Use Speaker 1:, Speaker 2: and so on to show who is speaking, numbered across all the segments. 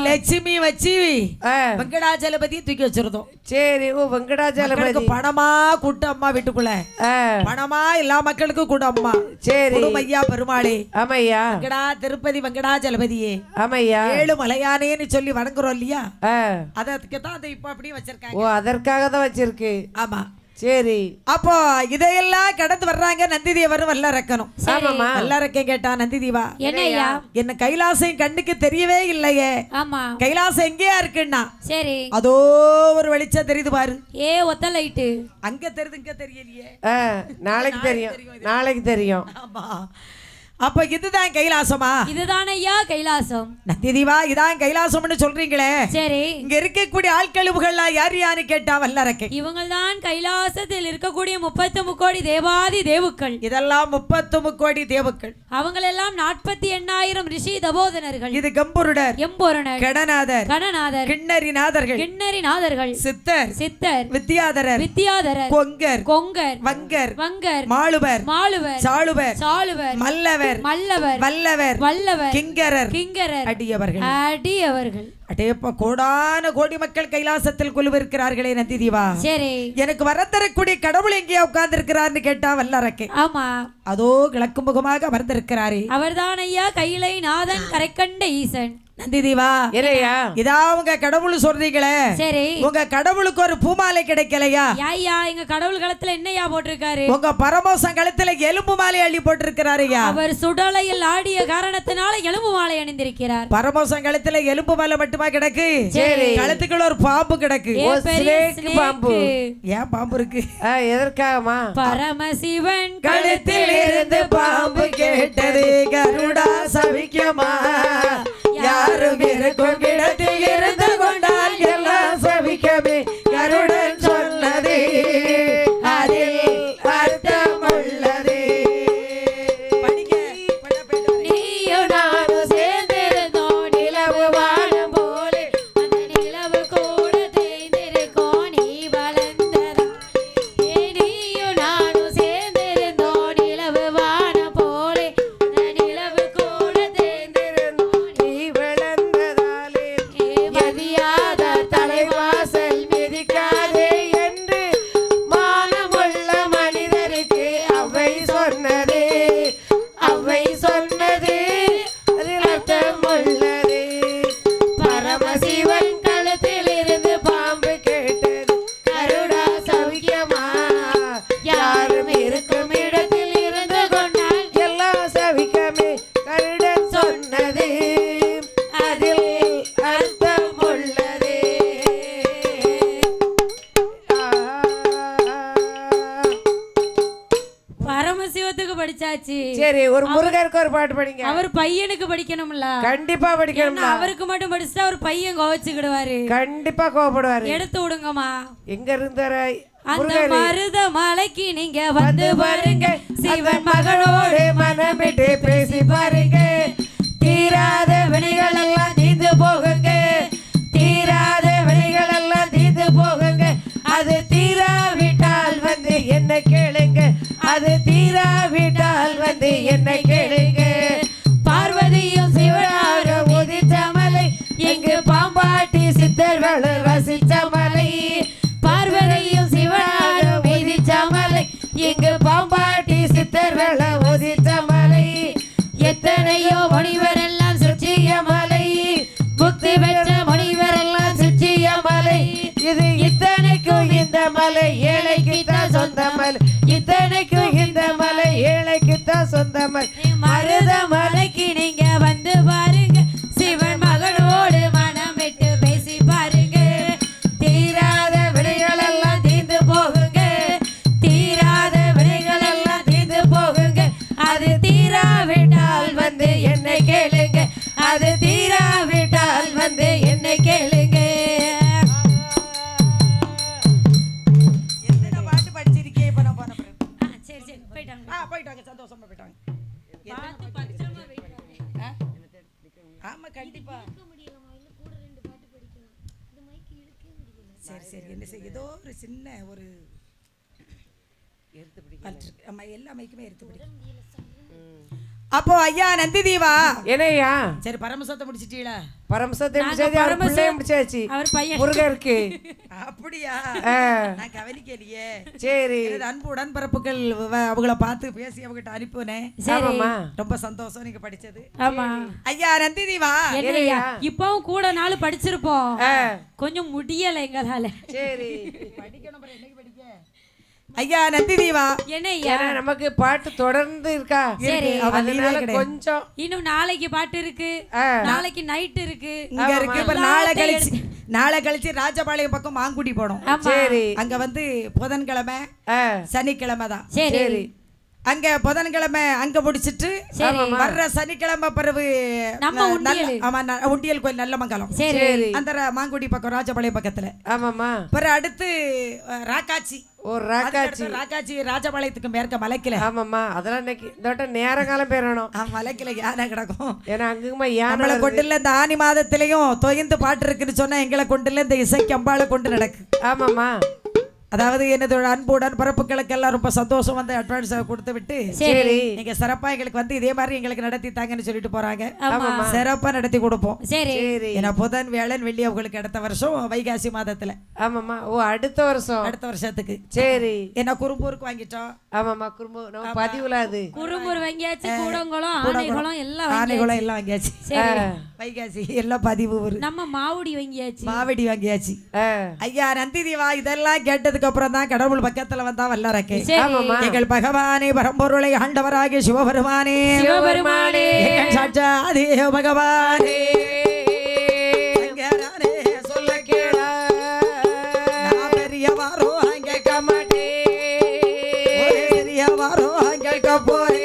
Speaker 1: லட்சுமி வச்சு வெங்கடாஜலபதி தூக்கி வச்சிருந்தோம்.
Speaker 2: சரி. ஓ வெங்கடாஜலபதி
Speaker 1: பணமா கூட்ட அம்மா வீட்டுக்குள்ள பணமா எல்லா மக்களுக்கும் கூட அம்மா.
Speaker 2: சரி.
Speaker 1: ஐயா பெருமாளே.
Speaker 2: ஆமையா.
Speaker 1: வெங்கடா திருப்பதி வெங்கடாஜலபதியே.
Speaker 2: ஆமையா.
Speaker 1: 7 மலையானேன்னு சொல்லி வணங்குறோம் இல்லையா? அதற்கு தான் அதை இப்ப அப்படியே வச்சிருக்காங்க.
Speaker 2: ஓ அதற்காக தான் வச்சிருக்கு.
Speaker 1: ஆமா.
Speaker 2: சரி.
Speaker 1: அப்போ இதையெல்லாம் கடந்து வர்றாங்க நந்தி தேவரும் வல்லரக்கணும்.
Speaker 2: ஆமாமா.
Speaker 1: வல்லரக்கன் கேட்டா நந்தி தேவா
Speaker 3: என்னையா
Speaker 1: என்ன கைலாசம் கண்ணுக்கு தெரியவே இல்லையே.
Speaker 3: ஆமா.
Speaker 1: கைலாசம் எங்கேயா இருக்குன்னா சரி அதோ ஒரு வெளிச்சம் தெரியுது பாரு.
Speaker 3: ஒத்த லைட்டு
Speaker 1: அங்க தெரியுது இங்க தெரியலையே.
Speaker 2: நாளைக்கு தெரியும். நாளைக்கு தெரியும்.
Speaker 1: ஆமா. அப்ப இதுதான் கைலாசமா?
Speaker 3: இதுதான் ஐயா கைலாசம்.
Speaker 1: நந்தி தேவா இதான் கைலாசம்னு சொல்றீங்களே.
Speaker 3: சரி.
Speaker 1: இங்க இருக்கக்கூடிய ஆட்களுகள்லாம் யார் யாரு கேட்டா வல்லரக்கை.
Speaker 3: இவங்கள் தான் கைலாசத்தில் இருக்கக்கூடிய 33 கோடி தேவாதி தேவுக்கள்.
Speaker 1: இதெல்லாம் 33 கோடி தேவுக்கள்.
Speaker 3: அவங்களெல்லாம் 48,000 ரிஷி தபோதனர்கள்.
Speaker 1: இது கம்புருடர்,
Speaker 3: எம்பொருணர்,
Speaker 1: கடநாதர்,
Speaker 3: கடநாதர்,
Speaker 1: கிண்ணறிநாதர்கள்,
Speaker 3: கிண்ணறிநாதர்கள்,
Speaker 1: சித்தர்,
Speaker 3: சித்தர்,
Speaker 1: வித்யாதரர்,
Speaker 3: வித்யாதரர்,
Speaker 1: கொங்கர்,
Speaker 3: கொங்கர்,
Speaker 1: வங்கர்,
Speaker 3: வங்கர்,
Speaker 1: மாளுவர்,
Speaker 3: மாளுவர்,
Speaker 1: சாளுவர்,
Speaker 3: சாளுவர்,
Speaker 1: மல்லவர், மல்லவர், வல்லவர், வல்லவர், கிங்கரர்,
Speaker 3: கிங்கரர்,
Speaker 1: அடியவர்கள்,
Speaker 3: அடியவர்கள்.
Speaker 1: அடேப்பா கோடான கோடி மக்கள் கைலாசத்தில் குழுவிருக்கிறார்களே நந்தி தேவா. சரி. எனக்கு வரத்தரக்கூடிய கடவுள் எங்கேயா உட்கார்ந்து இருக்கிறார்னு கேட்டா வல்லரக்கை.
Speaker 3: ஆமா. அதோ
Speaker 1: கிழக்கு முகமாக அமர்ந்திருக்கிறாரே
Speaker 3: அவர்தான் ஐயா கைலை நாதன் கரைக்கண்ட ஈசன்.
Speaker 1: நந்தி தேவா இதா உங்க கடவுள் சொல்றீங்களே. சரி. உங்க கடவுளுக்கு ஒரு பூமாலை கிடைக்கலையா?
Speaker 3: ஐயா எங்க கடவுள் கழுத்துல என்னையா போட்டிருக்காரு?
Speaker 1: உங்க பரமோசம் கழுத்துல எலும்பு மாலை அள்ளி போட்டிருக்கிறாரையா?
Speaker 3: அவர் சுடலையில் ஆடிய காரணத்தினால எலும்பு மாலை அணிந்திருக்கிறார்.
Speaker 1: பரமோசம் கழுத்துல எலும்பு மாலை மட்டுமா கிடக்கு? சரி. கழுத்துக்குள்ள ஒரு பாம்பு கிடக்கு.
Speaker 2: பாம்பு.
Speaker 1: ஏன் பாம்பு இருக்கு?
Speaker 2: எதற்காகமா?
Speaker 3: பரமசிவன்
Speaker 1: கழுத்தில் இருந்து பாம்பு கேட்டது கருடா சவிக்குமா? யாரும் இருக்கும் இடத்தில் இருந்து கொண்டால் எல்லாம் சவிக்கவே கருடன் சொன்னது அதில் அர்த்தம் உள்ளது.
Speaker 3: நீயும் நானும் சேர்ந்திருந்தோம் நிலவு வாழும் போலே அந்த நிலவு கூட தேய்ந்திருக்கோம் நீ வளர்ந்ததா. நீயும் நானும் சேர்ந்திருந்தோம் நிலவு வாழும் போலே அந்த நிலவு கூட தேய்ந்திருந்தோம் நீ
Speaker 2: வளர்ந்ததாலே
Speaker 3: மதியாத
Speaker 2: தலைவாசல் மிதிக்காதே என்று மானமுள்ள மனிதருக்கு அவை சொன்னது. அவை சொன்னது அதில் அர்த்தம் உள்ளது. பரமசிவன் கழுத்தில் இருந்து பாம்பு கேட்டது கருடா சவிக்கமா? யாரும் இருக்கும் இடத்தில் இருந்து கொண்டால் எல்லாம் சவிக்கமே கருடன் சொன்னது அதில் அர்த்தம் உள்ளது.
Speaker 3: பரமசிவத்துக்கு படிச்சாச்சு.
Speaker 2: சரி. ஒரு முருகருக்கு ஒரு பாட்டு படிங்க.
Speaker 3: அவர் பையனுக்கு படிக்கணும்ல.
Speaker 2: கண்டிப்பா படிக்கணும்.
Speaker 3: அவருக்கு மட்டும் படிச்சுட்டா அவர் பையன் கோவச்சுக்கிடுவாரு.
Speaker 2: கண்டிப்பா கோவப்படுவாரு.
Speaker 3: எடுத்து விடுங்கம்மா.
Speaker 2: எங்க இருந்தாரு
Speaker 3: அந்த மருத மலைக்கு நீங்க வந்து பாருங்க. சிவன்
Speaker 2: மகளோடு மனம் விட்டு பேசி பாருங்க. தீராத வினைகள் எல்லாம் தீர்ந்து போகுங்க. தீராத வினைகள் எல்லாம் தீர்ந்து போகுங்க. அது தீராவிட்டால் வந்து என்ன கேளுங்க. அது தீராவிட்டால் வந்து என்ன கேளுங்க. பார்வதியும் சிவனாக உதித்த மலை எங்கு பாம்பாட்டி சித்தர்கள் ரசித்த மலை. பார்வதியும் சிவனாக உதித்த மலை எங்கு பாம்பாட்டி சித்தர்கள் உதித்த மலை. எத்தனையோ முனிவர் எல்லாம் சுற்றிய மலை. முக்தி பெற்ற முனிவர் எல்லாம் சுற்றிய மலை. இது இத்தனைக்கும் இந்த மலை ஏழைக்குத்தான் சொந்த மலை. இத்தனைக்கும் இந்த மலை ஏழைக்குத்தான் சொந்த மலை.
Speaker 3: மருத மலைக்கு நீங்க வந்து பாருங்க. சிவன் மகனோடு மனம் விட்டு பேசி பாருங்க.
Speaker 2: தீராத வினைகள் எல்லாம் தீர்ந்து போகுங்க. தீராத வினைகள் எல்லாம் தீர்ந்து போகுங்க. அது தீராவிட்டால் வந்து என்னை கேளுங்க. அது தீராவிட்டால் வந்து என்னை கேளுங்க.
Speaker 1: எத்தனை பாட்டு படிச்சிருக்கே இப்ப நான் போன பிறகு.
Speaker 3: சரி சரி போயிட்டாங்க.
Speaker 1: போயிட்டாங்க சந்தோஷமா போயிட்டாங்க. ஆமா கண்டிப்பா. சரி சரி என்ன செய்ய ஏதோ ஒரு சின்ன ஒரு எடுத்து பிடிக்கும். ஆமா எல்லா மைக்குமே எடுத்து பிடிக்கும். அப்போ ஐயா நந்தி தீவா
Speaker 4: என்னையா
Speaker 1: சரி பரமசத்தை முடிச்சிட்டீங்களா?
Speaker 4: பரமசத்தை முடிச்சாச்சு
Speaker 3: அவர் பையன்
Speaker 4: முருகருக்கு
Speaker 1: அப்படியா? நான் கவனிக்கலையே.
Speaker 4: சரி
Speaker 1: அன்பு உடன்பரப்புகள் அவங்கள பார்த்து பேசி அவங்ககிட்ட அனுப்புனேன். ரொம்ப சந்தோஷம் நீங்க படிச்சது.
Speaker 3: ஆமா
Speaker 1: ஐயா நந்தி தீவா
Speaker 3: என்னையா இப்பவும் கூட நாள் படிச்சிருப்போம், கொஞ்சம் முடியல எங்களால.
Speaker 4: சரி
Speaker 1: படிக்கணும். என்னைக்கு படிக்க? ஐயா நந்தி தீவா
Speaker 3: என்னையா
Speaker 4: நமக்கு பாட்டு தொடர்ந்து இருக்கா?
Speaker 3: சரி
Speaker 4: அதனால கொஞ்சம்
Speaker 3: இன்னும் நாளைக்கு பாட்டு இருக்கு, நாளைக்கு நைட் இருக்கு,
Speaker 1: இங்க இருக்கு. இப்ப நாளை கழிச்சு ராஜபாளையம் பக்கம் மாங்குடி போனோம்.
Speaker 4: சரி
Speaker 1: அங்க வந்து புதன்கிழமை சனிக்கிழமை தான்.
Speaker 3: சரி
Speaker 1: அங்க புதன்கிழமை அங்க முடிச்சிட்டு வர்ற சனிக்கிழமை பிறகு உண்டியல் கோயில் நல்ல மங்கலம் அந்த மாங்குடி பக்கம் ராஜபாளையம் பக்கத்துல.
Speaker 4: ஆமாமா
Speaker 1: பிறகு அடுத்து ராக்காச்சி.
Speaker 4: ராக்காச்சி
Speaker 1: ராஜபாளையத்துக்கு மேற்க மலைக்கில.
Speaker 4: ஆமாமா அதெல்லாம் இன்னைக்கு இந்த நேர காலம் பேரணும்.
Speaker 1: மலைக்கில யானை கிடக்கும்.
Speaker 4: ஏன்னா அங்குமா யானை
Speaker 1: நம்மளை கொண்டுல இந்த ஆனி மாதத்திலையும் தொய்ந்து பாட்டு இருக்குன்னு சொன்னா எங்களை கொண்டுல இந்த இசைக்கு அம்பாளை கொண்டு நடக்கு.
Speaker 4: ஆமாமா
Speaker 1: அதாவது என்னதோட அன்புடன் பரப்புகளுக்கெல்லாம் ரொம்ப சந்தோஷம் வந்து அட்வான்ஸ் கொடுத்து விட்டு
Speaker 4: சரி
Speaker 1: நீங்க சிறப்பா எங்களுக்கு வந்து இதே மாதிரி எங்களுக்கு நடத்தி தாங்கன்னு சொல்லிட்டு போறாங்க. சிறப்பா நடத்தி கொடுப்போம்.
Speaker 3: சரி
Speaker 1: ஏன்னா புதன் வேளன் வெள்ளி அவங்களுக்கு அடுத்த வருஷம் வைகாசி மாதத்துல.
Speaker 4: ஆமாமா ஓ அடுத்த வருஷத்துக்கு.
Speaker 1: சரி என்ன குறும்பூருக்கு வாங்கிட்டோம்.
Speaker 4: ஆமாமா குறும்பு நம்ம பதிவுல அது
Speaker 3: குறும்பூர் வாங்கியாச்சு, கூடங்குளம் ஆனைகுளம் எல்லாம்
Speaker 1: வாங்கியாச்சு. வைகாசி எல்லாம் பதிவு
Speaker 3: நம்ம மாவடி
Speaker 1: வாங்கியாச்சு. ஐயா நந்தி தீவா இதெல்லாம் கேட்டதுக்கு அப்புறம் தான் கடவுள் பக்கத்துல வந்தா வல்லறக்கே. எங்கள் பகவானே பரம்பொருளை ஆண்டவராகிய சிவபெருமானே சாட்சாத் பகவானே சொல்ல கேள பெரியவாரோ கேட்க மாட்டே, பெரியவாரோ கேட்க போறே.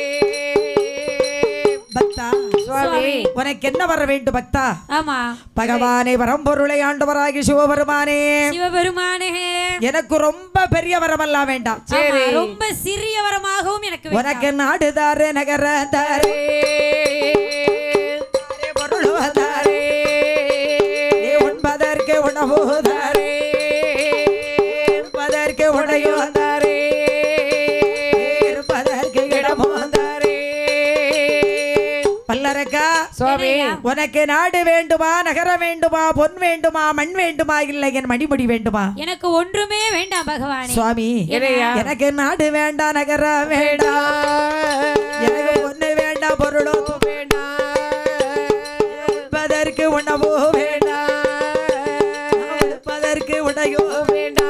Speaker 1: பக்தா உனக்கு என்ன வர வேண்டும் பக்தா?
Speaker 3: ஆமா
Speaker 1: பகவானே பரம்பொருளை ஆண்டவராகி சிவபெருமானே எனக்கு ரொம்ப பெரிய வரமெல்லாம் வேண்டாம்.
Speaker 3: சரி ரொம்ப சிறிய வரமாகவும் எனக்கு
Speaker 1: உனக்கு நாடுதாரு நகர தாரே பொருள்தாரே உண்பதற்கு உணவு தாரே இருப்பதற்கு உடையோ தாரே இருப்பதற்கு இடமோ தாரே. பல்லரக்கா
Speaker 4: சுவாமி
Speaker 1: உனக்கு நாடு வேண்டுமா, நகர வேண்டுமா, பொன் வேண்டுமா, மண் வேண்டுமா, இல்லை என் மணிமுடி வேண்டுமா?
Speaker 3: எனக்கு ஒன்றுமே வேண்டாம் பகவானே.
Speaker 1: சுவாமி எனக்கு நாடு வேண்டாம், நகர வேண்டாம், எனக்கு பொண்ணு வேண்டாம், பொருளோ வேண்டாம், உண்பதற்கு உணவோ வேண்டாம், உடுப்பதற்கு உடையோ வேண்டாம்.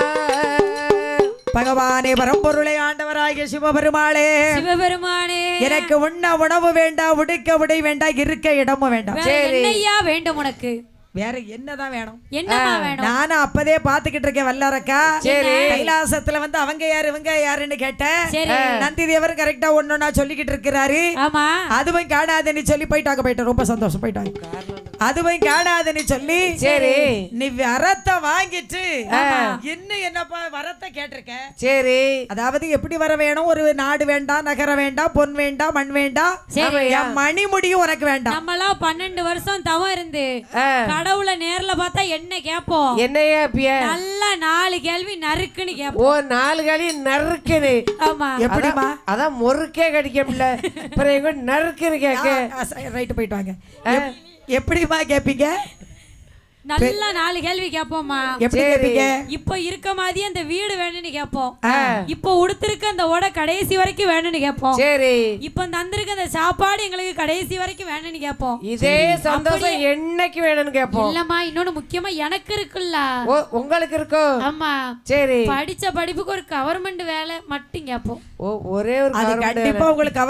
Speaker 1: பகவானே பரம்பொருளை ஆண்டவராகிய சிவபெருமானே எனக்கு உண்ண உணவு வேண்டாம், உடுக்க உடை வேண்டாம், இருக்க இடமும் வேண்டாம்.
Speaker 3: என்னையா வேண்டும் உனக்கு?
Speaker 1: வேற என்னதான் வேணும்?
Speaker 3: என்னமா வேணும்?
Speaker 1: நானும் அப்பதே பாத்துக்கிட்டு இருக்கேன் வல்லரக்கா. கைலாசத்துல வந்து அவங்க யாரு இவங்க யாருன்னு கேட்டேன். நந்தி தேவர் கரெக்டா ஒன்னொன்னா சொல்லிக்கிட்டு இருக்கிறாரு. அதுவும் காணாதுன்னு சொல்லி போயிட்டாங்க. ரொம்ப சந்தோஷம் போயிட்டாங்க. அதுவும் காணாதுன்னு சொல்லி
Speaker 4: சரி
Speaker 1: நீ வரத்தை வாங்கிட்டு இன்னும் என்னப்பா வரத்தை கேட்டிருக்க.
Speaker 4: சரி
Speaker 1: அதாவது எப்படி வர வேணும்? ஒரு நாடு வேண்டாம், நகர வேண்டாம், பொன் வேண்டாம், மண் வேண்டாம், மணிமுடியும் உனக்கு வேண்டாம்.
Speaker 3: நம்மளாம் 12 வருஷம் தவம் இருந்து கடவுளை நேர்ல பார்த்தா என்ன கேப்போம்?
Speaker 4: என்னையா
Speaker 3: நல்லா 4 கேள்வி நறுக்குன்னு கேப்போம்.
Speaker 4: ஓ 4 கேள்வி நறுக்குன்னு.
Speaker 3: ஆமா
Speaker 1: எப்படிமா?
Speaker 4: அதான் முறுக்கே கடிக்கல நறுக்குன்னு கேட்க.
Speaker 1: ரைட்டு போயிட்டு வாங்க. எப்படிமா கேப்பீங்க?
Speaker 3: நல்லா 4 கேள்வி கேப்போம்மா.
Speaker 1: எப்படி கேப்பீங்க?
Speaker 3: இப்போ இருக்க மாதிரி அந்த வீடு வேணும்னு கேப்போம். இப்போ உடுத்திருக்க அந்த ஓட கடைசி வரைக்கும் வேணும்னு கேப்போம்.
Speaker 4: சரி
Speaker 3: இப்போ தந்திருக்க அந்த சாப்பாடு எங்களுக்கு கடைசி வரைக்கும் வேணும்னு கேப்போம்.
Speaker 4: இதே சந்தோஷம் என்னைக்கு வேணும்னு கேப்போம்.
Speaker 3: இல்லம்மா இன்னொன்னு முக்கியமா எனக்கு இருக்குல்ல.
Speaker 4: ஓ உங்களுக்கு இருக்கோ?
Speaker 3: ஆமா
Speaker 4: சரி
Speaker 3: படிச்ச படிப்புக்கு ஒரு கவர்மெண்ட் வேலை மட்டும் கேப்போம்.
Speaker 4: ஓ ஒரே ஒரு
Speaker 1: கண்டிப்பா உங்களுக்கு